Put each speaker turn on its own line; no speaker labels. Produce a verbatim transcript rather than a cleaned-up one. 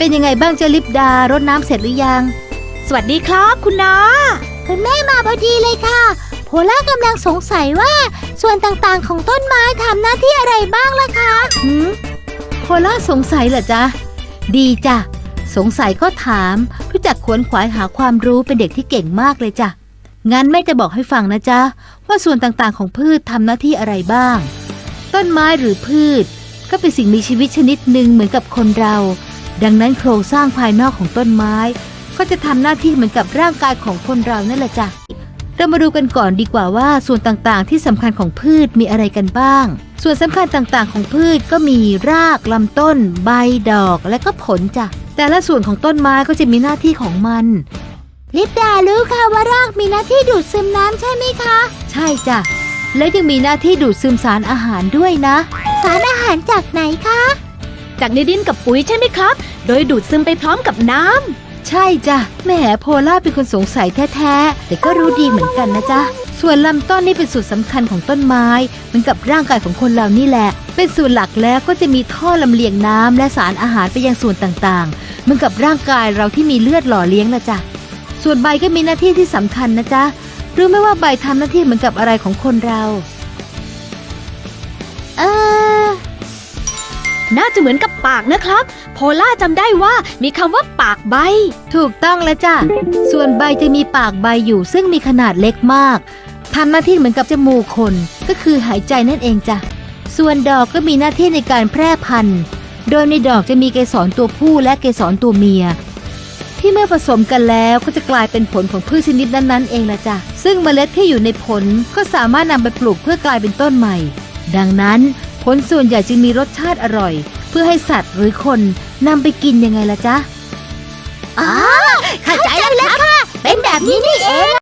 เป็นยังไงบ้างเจ้าลิปดารดน้ำเสร็จหรือยัง
สวัสดีครับคุณน้า
คุณแม่มาพอดีเลยค่ะโพล่ากำลังสงสัยว่าส่วนต่างๆของต้นไม้ทำหน้าที่อะไรบ้างล่ะคะ
หืมโพล่าสงสัยเหรอจ๊ะดีจ้ะสงสัยก็ถามรู้จักขวนขวายหาความรู้เป็นเด็กที่เก่งมากเลยจ้ะงั้นแม่จะบอกให้ฟังนะจ๊ะว่าส่วนต่างๆของพืชทำหน้าที่อะไรบ้างต้นไม้หรือพืชก็เป็นสิ่งมีชีวิตชนิดหนึ่งเหมือนกับคนเราดังนั้นโครงสร้างภายนอกของต้นไม้ก็จะทำหน้าที่เหมือนกับร่างกายของคนเรานั่นแหละจ้ะเรามาดูกันก่อนดีกว่าว่าส่วนต่างๆที่สำคัญของพืชมีอะไรกันบ้างส่วนสำคัญต่างๆของพืชก็มีรากลำต้นใบดอกและก็ผลจ้ะแต่ละส่วนของต้นไม้ก็จะมีหน้าที่ของมัน
ลิปดารู้ค่ะว่ารากมีหน้าที่ดูดซึมน้ำใช่ไหมคะ
ใช่จ้ะและยังมีหน้าที่ดูดซึมสารอาหารด้วยนะ
สารอาหารจากไหนคะ
จากในดินกับปุ๋ยใช่ไหมครับโดยดูดซึมไปพร้อมกับน้
ำใช่จ้ะแหมโพล่าเป็นคนสงสัยแท้ๆแต่ก็รู้ดีเหมือนกันนะจ๊ะส่วนลำต้นนี่เป็นส่วนสำคัญของต้นไม้เหมือนกับร่างกายของคนเรานี่แหละเป็นส่วนหลักแล้วก็จะมีท่อลำเลียงน้ำและสารอาหารไปยังส่วนต่างๆเหมือนกับร่างกายเราที่มีเลือดหล่อเลี้ยงนะจ๊ะส่วนใบก็มีหน้าที่ที่สำคัญนะจ๊ะรู้ไหมว่าใบทำหน้าที่เหมือนกับอะไรของคนเรา
เออ
น่าจะเหมือนกับปากนะครับโพล่าจำได้ว่ามีคำว่าปากใบ
ถูกต้องแล้วจ้ะส่วนใบจะมีปากใบอยู่ซึ่งมีขนาดเล็กมากทำหน้าที่เหมือนกับจมูกคนก็คือหายใจนั่นเองจ้ะส่วนดอกก็มีหน้าที่ในการแพร่พันธุ์โดยในดอกจะมีเกสรตัวผู้และเกสรตัวเมียที่เมื่อผสมกันแล้วก็จะกลายเป็นผลของพืชชนิดนั้นๆเองละจ้ะซึ่งเมล็ดที่อยู่ในผลก็สามารถนำไปปลูกเพื่อกลายเป็นต้นใหม่ดังนั้นผลส่วนใหญ่จึงมีรสชาติอร่อยเพื่อให้สัตว์หรือคนนำไปกินยังไงล่ะจ๊ะ
อ๋อเข้าใจแล้วค่ะเป็นแบบนี้นี่เอง